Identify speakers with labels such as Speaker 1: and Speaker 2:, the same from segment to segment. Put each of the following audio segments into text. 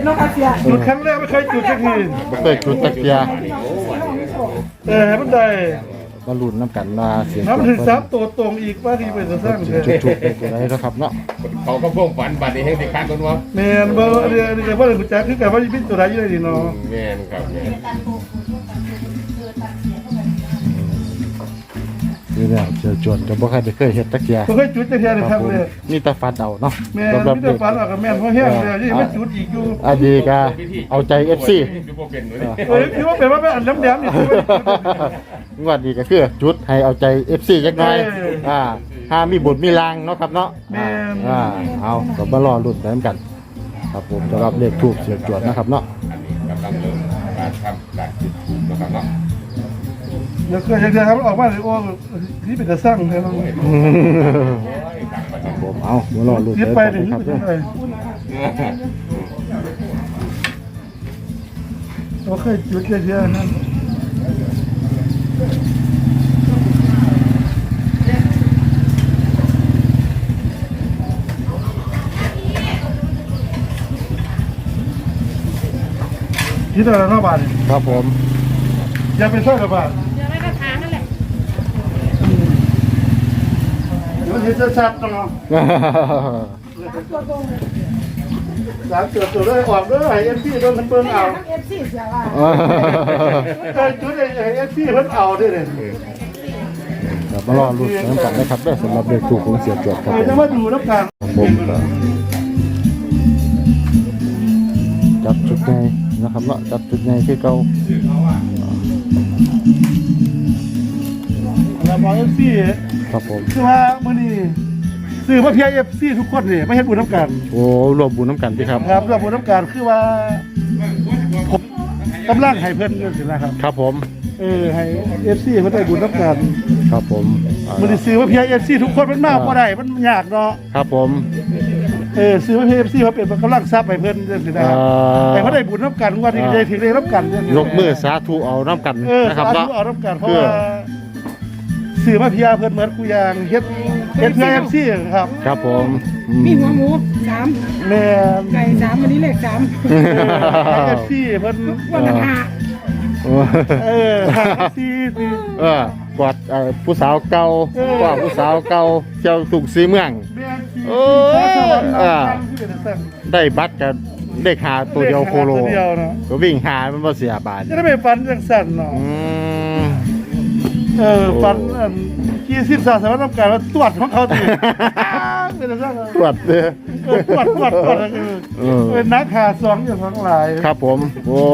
Speaker 1: จุดครั้งแรกไม่เคยจุดสักที
Speaker 2: เคยจุดตะเกีย
Speaker 1: ให้มันได้
Speaker 2: มาลุ้นน้ำกันมาเสียง
Speaker 1: ถ้ามันถึง3ตัวตรงอีกว่าที่ไปจะสร้างเลย
Speaker 2: จุดๆอะไรนะครับเนาะ
Speaker 3: เขาก็พ่วงฝันบัตรนี้ให้ติดค้างคนวะ
Speaker 1: แมนบ่เดี๋ยวว่าเลยจักคือกันว่าเป็นตัวใดอยู่นี่เนาะ
Speaker 3: แม่นครับแม่น
Speaker 2: คือเนี่ยเจอจวนกับบ่ใครเคยเฮ็ดตะเกีย
Speaker 1: บ่เคยจุดจักเทื่อเลยครับเลย
Speaker 2: นี่ตาฟัดเอาเนาะ
Speaker 1: แม่นมีแต่ฝันว่ากับแม่นเพราะแห้งเลยยังไม่จุดอีกอยู่
Speaker 2: อันนี้ก็เอาใจ FC
Speaker 3: คือพวกเป็นเลย
Speaker 1: คือว่าเป็นว่าเป็นอันแหลมๆนี่คือ
Speaker 2: งวดนี้ก็คือจุดให้เอาใจ FC จักหน่อยถ้ามีบุญมีลางเนาะครับเนาะเอาก็มารอลุ้นกันกันครับผมสำหรับเลขทูปเสียงจวดนะครับเนาะ
Speaker 3: อันนี้กำลังเริ่มการทำการจุดถูกนะครับเนาะ
Speaker 1: เดี๋ยวเคยจะครับออกมาเลยโอ้นี่เป็นจะสร้างเลยเนาะ
Speaker 2: ครับผมเอามารอลุ้น
Speaker 1: ยึด
Speaker 2: กัน
Speaker 1: ไป
Speaker 2: กัน
Speaker 1: เลย
Speaker 2: ครับ
Speaker 1: ยึดไปเราเคยจุดเยอะๆนั่นที่ตลาดหน้าบ้าน
Speaker 2: ครับผม
Speaker 1: อย่าไปสร้างกับบ้าน
Speaker 4: เดี๋ยวไม่กระถางนั่นแหละ
Speaker 1: เดี๋ยวเห็นชัดๆเนาะสามตัวเลยออกเลยเอ็นพีโดนเปิ้ลเอา
Speaker 4: เอฟซีเสียว่า
Speaker 1: เคยจุดเอ็นพีเพิ่นเอาด้วยเลย
Speaker 2: ครับมารอลุ้นกันนะครับได้สำหรับเลขทูปของเสียจวดครับผม
Speaker 1: จะมาดูน้ำตาล
Speaker 2: ผมก็จับจุดไงนะครับเนาะจับจุดไงคือเก่า
Speaker 1: เราบอกเอ็นพี
Speaker 2: ครับผม
Speaker 1: คือว่ามื้อนี้ซื้อมาเพียเอฟซีทุกคนนี่ไม่เห็นบุญน้ำกัน
Speaker 2: โอ้รวมบุญน้ำกันพี่ครับ
Speaker 1: ครับรวมบุญน้ำกันคือว่าผมกำลังให้เพิ่นเงินสินะครับ
Speaker 2: ครับผม
Speaker 1: ให้เอฟซีเพิ่นได้บุญน้ำกัน
Speaker 2: ครับผม
Speaker 1: มื้อนี้ซื้อมาเพียเอฟซีทุกคนมันมากบ่ได้มันยากเนาะ
Speaker 2: ครับผม
Speaker 1: ซื้อมาเพียเอฟซีมาเป็นกำลังทรัพย์ให้เพิ่นจังซี่นะให้เพิ่นได้บุญน้ำกันว่าที่ได้ถึงได้น้ำกันจังซี่
Speaker 2: ยกมือสาธุเอาน้ำกัน
Speaker 1: นะครับ
Speaker 2: เนาะ
Speaker 1: เอาน้ำกันเพราะว่าซื้อมาเพียเพิ่นเหมือนกูอย่างเฮ็ดเพื่อเอฟซีครับ
Speaker 2: ครับผม
Speaker 4: มีหัวหมู3
Speaker 1: แม่
Speaker 4: ไก่3วันนี้เลข3
Speaker 1: เอฟซีเพิ่น
Speaker 4: วันละห้า
Speaker 1: หาซีสิ
Speaker 2: กอดผู้สาวเก่าว่าผู้สาวเก่าเที่ยวตุกซีเมือง ได้บัตรกับได้ขาตัวเดียวโคโล
Speaker 1: ตัวเดียวเนาะ
Speaker 2: ก็วิ่งหามันบ่เสียบาท
Speaker 1: จะได้ไปฟันจังสั่นเนาะฟันกี่สิบสามสามน้ำการว่าตรวจของเขาตีเป็นจังสั่น
Speaker 2: ตรวจเลย
Speaker 1: ตรวจเป็นนักหาสองอย่างทั้งหลาย
Speaker 2: ครับผมโอ้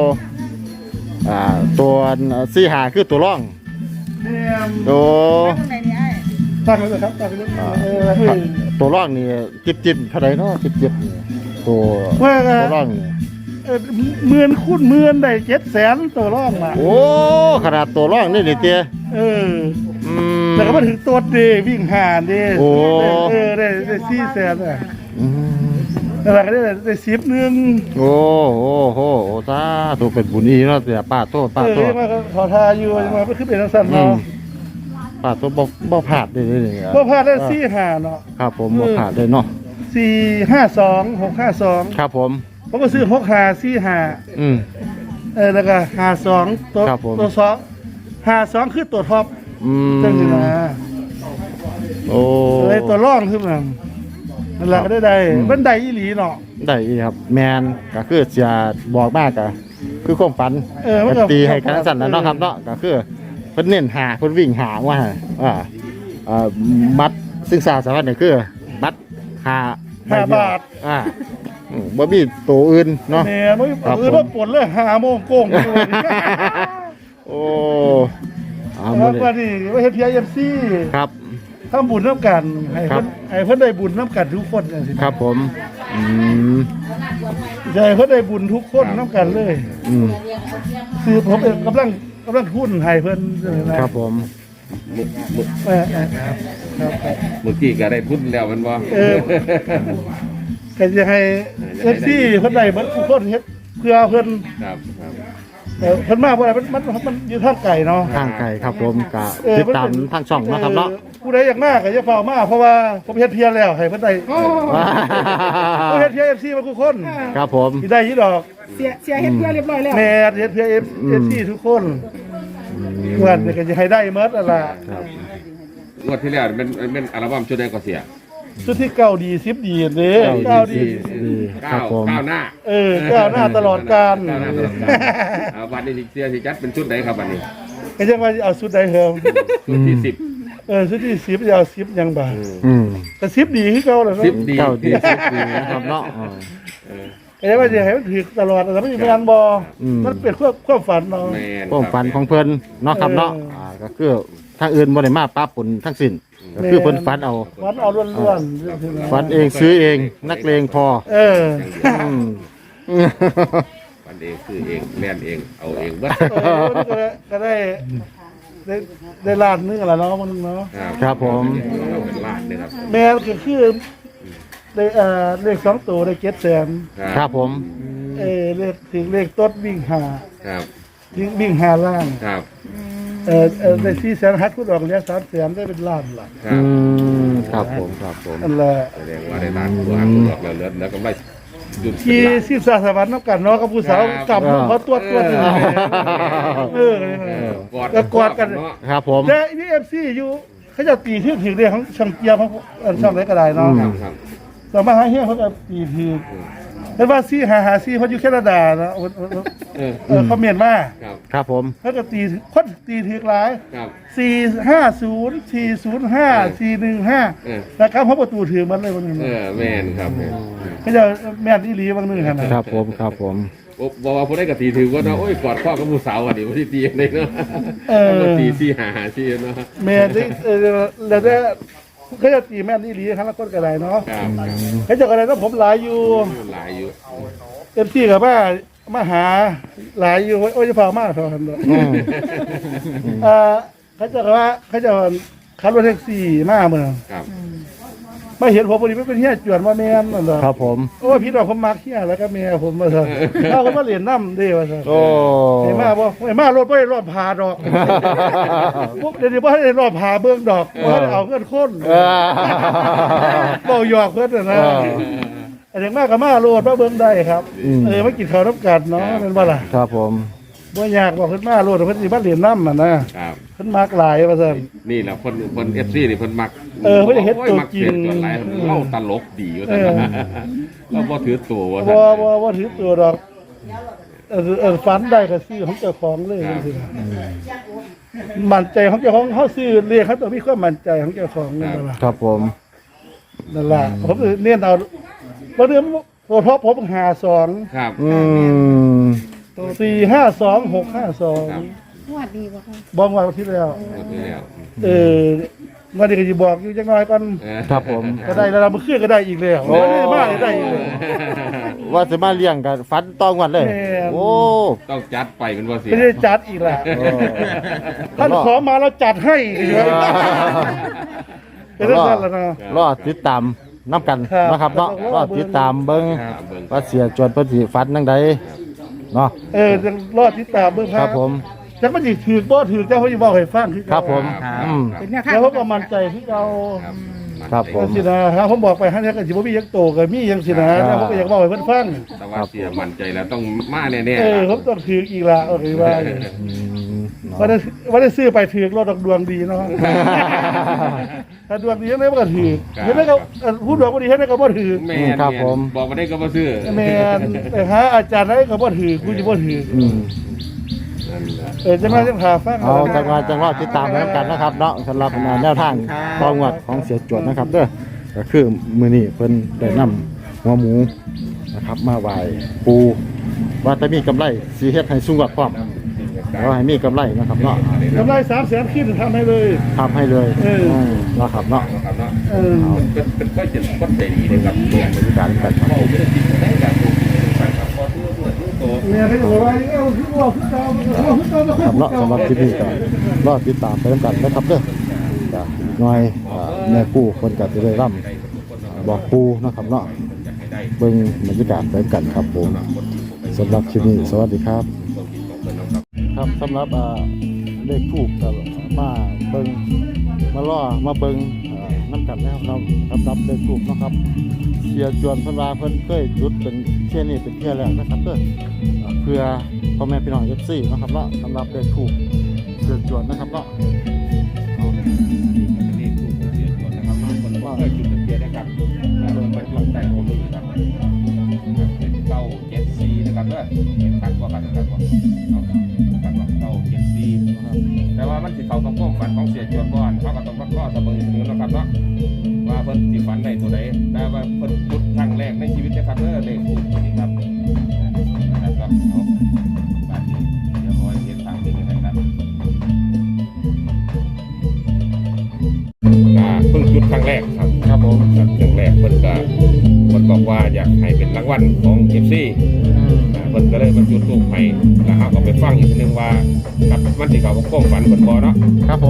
Speaker 2: ตัวซีหาคือตัวร่อง
Speaker 1: เนี่ย
Speaker 2: โอ้
Speaker 4: ไหนนี่ไอ้
Speaker 1: ตั้งไว้เลยครับตั้งไว้เลย
Speaker 2: ตัวร่องนี่จิบเท่าไหร่เนาะจิบนี่ตัวร่องนี่
Speaker 1: หมื่นคูณหมื่นได้700,000ตัวร่องมา
Speaker 2: โอ้ขนาดตัวร่องนี่เตี้ย
Speaker 1: แต่ก็มาถึงตัวเดวิ่งหาเด
Speaker 2: โอ้
Speaker 1: ได้400,000อ่ะแต่ละก็ได้10นึง
Speaker 2: โอ้โหตาตัวเป็นบุญอีเนาะแต่ป้าโตป้าโต
Speaker 1: มาขอทาอยู่มาคือเป็นสั่นเนาะ
Speaker 2: ป้าโตบ่ผาดได้เลย
Speaker 1: บ่พลาดได้4-5เนาะ
Speaker 2: ครับผมบ่ผาดได้เนาะ
Speaker 1: 452 652
Speaker 2: ครับผม
Speaker 1: ผมก็ซื้อ6545แล้วก็52ตัว
Speaker 2: ครับผม
Speaker 1: ตัว2 52คือตัวท็อปจังซี่นะ
Speaker 2: โอ้
Speaker 1: เลยตัวร่องขึ้นมานั่นแหละก็ได้มันได้อีหลีเนาะ
Speaker 2: ได้อีครับแมนก็คือจะบอกมากก็คือความฝัน
Speaker 1: มันก็
Speaker 2: ตีให้กันสั่นแล้วเนาะครับเนาะก็คือเพิ่นเน้นหาเพิ่นวิ่งหาว่าบัตรซึ่งสารวัตรนี่คือบัตร5
Speaker 1: บาท
Speaker 2: บ่มีตัวอื่นเนาะ
Speaker 1: แหมบ่ปวดเลย5โมงโกง
Speaker 2: โอ้เอา
Speaker 1: แล้
Speaker 2: มื้
Speaker 1: ว
Speaker 2: อ
Speaker 1: ก็
Speaker 2: นี้
Speaker 1: นี่ว่าเฮ็ด PIFC
Speaker 2: ครับ
Speaker 1: ทำบุญน้ำกันให้เพิ่นได้บุญน้ำกันทุกคนจังซี่
Speaker 2: ครับผม
Speaker 1: จะให้เพิ่นได้บุญทุกคนน้ำกันเลยคือผมกำลังทุนให้เพิ่นนะครับ
Speaker 2: ผม
Speaker 3: เมื่อกี้ก็ได้พุ่นแล้วมันบ่
Speaker 1: ก็จะให้ FC เพิ่นได้เบิดทุกคนเฮ็ดเพื่อเพิ่น
Speaker 3: ครับ
Speaker 1: เพิ่นมาบ่ได้มันอยู่ทางไกลเนาะ
Speaker 2: ทางไกลครับผมก็ติดตามทางช่องนะครับเนาะ
Speaker 1: ผู้ผู้ใดอยากมากก็จะเฝ้ามากเพราะว่าผมเฮ็ดเพียแล้วให้เพิ่นได้
Speaker 4: โอ้
Speaker 1: ผมเฮ็ดเพีย FC มาทุกคน
Speaker 2: ครับผม
Speaker 1: สิได้ยี่ดอก
Speaker 4: เสียเฮ็ดเพื่อเรียบร้อยแล้ว
Speaker 1: แม่เฮ็ดเพีย FC ทุกคนเพื่อนก็จะให้ได้หมดนั่นล่ะ
Speaker 3: งวดที่แล้วเป็นอัลบั้มชุดใดก็เสีย
Speaker 1: สุดที่เก่าดี10ดีเด้เก่าดี
Speaker 2: ดีครับผม
Speaker 3: ก้าวหน้า
Speaker 1: ก้าวหน้าตลอดกาล
Speaker 3: ก้าวหน้าตลอดกาลวันนี้เสียสิจัดเป็นชุดไหนครับวันนี้
Speaker 1: ก็ยังว่าเอาสุดใดเฮิม
Speaker 3: ชุดที่10
Speaker 1: สุดที่10จะเอา10ยังบ่า
Speaker 2: อืม
Speaker 1: แต่10ดีคือเก่าแล้วเนาะ
Speaker 3: 10ดี
Speaker 2: เก้าดีสิบดีนะครับเนาะ
Speaker 1: ก็ยังว่าจะให้มันถูกตลอดแต่ไม่มีงานบ่มันเป็นความฝันเนาะ
Speaker 3: แม่น
Speaker 2: ความฝันของเพิ่นเนาะครับเนาะก็คือทางอื่นบ่ได้มาป้าปนทั้งสิ้นก็คือเพิ่นฝันเอา
Speaker 1: ฝันเอาล้วนๆ
Speaker 2: ฝันเองซื้อเองนักเลงพอ อืม
Speaker 3: วันเองคือเองแม่นเองเอาเองเบิด
Speaker 1: ก็ได้ล้านนึงแล้วเนาะมันเนาะ
Speaker 2: ครับผม
Speaker 3: เราเป็นล้านเลยครับ
Speaker 1: แม่ก็คือได้เลข2ตัวได้700,000
Speaker 2: ครับผม
Speaker 1: เลขถึงเลขต้นวิ่งหา
Speaker 3: ครับ
Speaker 1: วิ่งหาล่าง
Speaker 3: ครับ
Speaker 1: ได้400,000ฮัดพูดออกแล้ว300,000ได้เป็นล้านล่ะ
Speaker 3: ครั
Speaker 2: อื
Speaker 3: บ
Speaker 2: มครับผมครับผม
Speaker 1: นั่นแหละ
Speaker 3: แสดงว่าได้ล้านตัวหักตัวออกแล้วเหลือแล้วก็ไม่หยุด
Speaker 1: ที่สิบสาสวรรค์น้ำกันเนาะกับผู้สาวกำเขาตัวก็กอดกัน
Speaker 2: ครับผม
Speaker 1: แต่นี่FCอยู่เขาจะตีที่ถึงเรื่องของช่างเกียร์ของช่างไหนก็ได้เนาะ
Speaker 3: ครับครับ
Speaker 1: สามารถหาเฮียเขาก็ตีถึงแต่ว่า455เขาอยู่แคนาดาเนาะเขาเมียนมา
Speaker 3: ครับ
Speaker 2: ครับผม
Speaker 1: เขาก็ตีคนตีถึงหลาย
Speaker 3: ครับ
Speaker 1: 450 405 415นะครับเพราะประตูถือมันเลยวันนึง
Speaker 3: แม่นครับแม่น
Speaker 1: เขาจะแม่นอีหลีบางนึงขนาด
Speaker 2: ครับผมครับผม
Speaker 3: บอกว่าผู้ได้กตีถือว่าเนาะโอ้ยกอดข้อกับผู้สาวอ่ะดิว่าที่ตีอะไรเนาะตีที่หาที่เนาะ
Speaker 1: แม่ได้แล้วได้เขาจะตีแม่นอีหลีครั้งละคนก็ได้เนาะ
Speaker 3: ครับ
Speaker 1: เขาจะอะไรต้องผมหลายอยู่
Speaker 3: หลายอยู่
Speaker 1: เต็มที่กับมาหาหลายอยู่โอ้ยจะพามากเท่านั้นเลยเขาจะว่าเขาจะขับรถแท็กซี่มาเมือง
Speaker 3: ครับ
Speaker 1: มาเห็นผมพอดีไม่เป็นเฮียจวนมาแม่นนั่นเหรอ
Speaker 2: ครับผม
Speaker 1: โอ้พี่ดอกผมมักเฮียแล้วก็แม่ผมมาเถอะเอาเขามาเรียนน้ำเด้ว่าเถอะ
Speaker 2: โอ้
Speaker 1: ไอ้มาบ่ไอ้มารถไม่ได้รอดพาดอกพวกเดี๋ยวนี้บ่ได้รอดพาเบื้องดอกบ่ได้เอาเงินคนเบาหยอกเพื่อนนะไอ้เด็กมากกับมาโลดมาเบื้องได้ครับมากินข้าวน้ำกันเนาะเป็นว่าล่ะ
Speaker 2: ครับผม
Speaker 1: บ่อยากบอกเพิ่นมาโลดเพิ่นสิมาเรียนน้ำน่ะนะครับ เพิ่นมักหลายว่าซั่น
Speaker 3: นี่แหละคนFC นี่เพิ่นมัก
Speaker 1: เพิ่นจะเฮ็ดตัวจริง
Speaker 3: มักเสียจนหลายเล่าตลกดีว่าซั่นเราบ่ถือตัวว่าซั่น
Speaker 1: บ่ถือตัวดอกฝันได้ก็ซื้อของเจ้าของเลยจังซี่นะมั่นใจของเจ้าของเฮาซื้อเรียกเขาต้องมีความมั่นใจของเจ้าของนั่นล่ะ
Speaker 2: ครับผม
Speaker 1: นั่นล่ะผมเน้นเอาบ่เรื่องเพราะผม52
Speaker 3: ครับ
Speaker 1: 452 652
Speaker 4: สวัสดีบ่คะ
Speaker 1: บอกว่าที่แล้ว วันนี้ก็จะบอกอยู่จังน้อยก่อน
Speaker 2: ครับผม
Speaker 1: ก็ได้แล้วเราเมื่อคืนก็ได้อีกแล้วไม่ได้มากเลยได้อีกเลย
Speaker 2: ว่าจะมาเลี้ยงกันฟันต้องวันเลย
Speaker 1: แม่น
Speaker 2: โอ้
Speaker 3: ต้องจัดไปเป็นว่าเสีย
Speaker 1: ไม่ได้จัดอีกแล้วท่านขอมาเราจัดให้อีกเลยเป็นเรื่องนั้นแล้วนะ
Speaker 2: รอติดตามน้ำกัน
Speaker 1: ครับ
Speaker 2: นะครับเนาะรอติดตามเบิ้ง
Speaker 3: ครับเบิ่ง
Speaker 2: ว่าเสียจวนเพิ่นสิฟันจังใดเนาะ
Speaker 1: จะรอดติดตามเบื้อง
Speaker 2: ครับผม
Speaker 1: จักมันสิถือบ่ถือเจ้าเขาจะบอกให้ฟังคือ
Speaker 2: ครับผม
Speaker 4: เป็นเนี่ยค่ะ
Speaker 1: แล้วเขาก็มั่นใจที่เรา
Speaker 3: ครับ
Speaker 2: ครับผม
Speaker 1: สินะครับผมบอกไปให้เนี่ยก็สิบ่มียังโตก็มียังสินะแล้วผมก็อยากบอกให้เพิ่นฟัง
Speaker 3: แต่ว่าเสียมั่นใจแล้วต้องมาแน่ๆ
Speaker 1: ผมต้องถืออีกละโอเคว่า
Speaker 2: อืม
Speaker 1: ว่าได้ซื้อไปถือรถดวงดีเนาะ ถ้าดวงดียังไงมันก็ถือเห็นไหมก็พูดดวงบ่ดีเห็นไหมก็บ่ถือ
Speaker 3: แม่นบอกมาได้ก็มาซื้อ
Speaker 1: แม่นแต่หาอาจารย์ไหนก็บ่ถือกูจะบ่ถือ
Speaker 2: อืม
Speaker 3: นั่นแหละ
Speaker 1: จะมาจะหาฟัง
Speaker 2: เอาจังหวะติดตามไปน้ำกันนะครับเนาะสำหรับแนวทางตองวัดของเสียจวนนะครับเด้อก็คือมื้อนี้เพิ่นได้นำหัวหมูนะครับมาไหว้ปูว่าจะมีกำไรสิเฮ็ดให้สูงกว่าพร้อมว่าให้มีกำไรนะครับเนาะ
Speaker 1: กำไร300,000ขึ้นทำให้เลย
Speaker 2: ทำให้เลยนะครับเนาะ
Speaker 3: ครับเนาะ เป็นก้อยเจ็ดก้อนใจดีเลยครับ
Speaker 2: บรรยากาศกันครับ
Speaker 3: ไม่ได้กินได้แบบพอตัวโต
Speaker 1: เนี่ยเขาบอกว่าเอาคือว่าคือเก่าเอาคือเก่า
Speaker 2: ครับเนาะสำหรับคลิปนี้ก็รอติดตามไปน้ำกันนะครับเด้อจ้ะหน่อยแม่กู้คนก็จะได้ร่ำบอกปูนะครับเนาะเบิ่งบรรยากาศไปกันครับผมสำหรับคลิปนี้สวัสดีครับ ครับสำหรับเลขทูบกับมาเบิ่งมมาล่อมาเบิ่งน้ำกันแล้วเรารับเลขถูกเนาะครับเสียจวนเพิ่นว่าเพิ่นเคยจุดเป็นเที่ยนี่เป็นเที่ยแรกนะครับเด้อเพื่อพ่อแม่พี่น้อง FC เนาะครับเนาะสำหรับเลขถูกเสียจวนนะครับเนาะ
Speaker 3: นี่ถูกเสียจวนนะครับคนว่าเคยจุดเทียนนะครับแล้วมันมาจุดแต่ของมือครับเป็นเก้าเจ็ดซีนะครับเด้อเป็นตัดกว่ากันนะครับว่าเอาตัดว่าเก้าเจ็ดซีนะครับแต่ว่ามันสิเข้ากับความฝันของเสียจวนก่อนเขาก็ต้องข้อเสมอถึงนะครับเนาะว่าเพิ่นสิฝันได้ตัวใดแต่ว่าเพิ่นจุดครั้งแรกในชีวิตนะครับเด้อเลขถูกนี่ครับนะครับเอาบาดนี้เดี๋ยวขอให้เห็นทางนี้นะครับ เพิ่งจุดครั้งแรกครับครับผมครั้งแรกเพิ่นบอกว่าอยากให้เป็นรางวัลของเอฟซีเพิ่นก็เลยมาจุดทูปให้แล้วเขาก็ไปฟังอีกทีนึงว่าครับมันสิเขาก็ก้มฝันเพิ่นบ่เนาะ
Speaker 2: ครับผม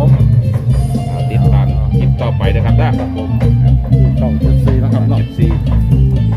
Speaker 3: ติดตามคลิปต่อไปนะครับนะครับผม
Speaker 2: ช่อง74นะครับเนาะ
Speaker 3: เอฟซี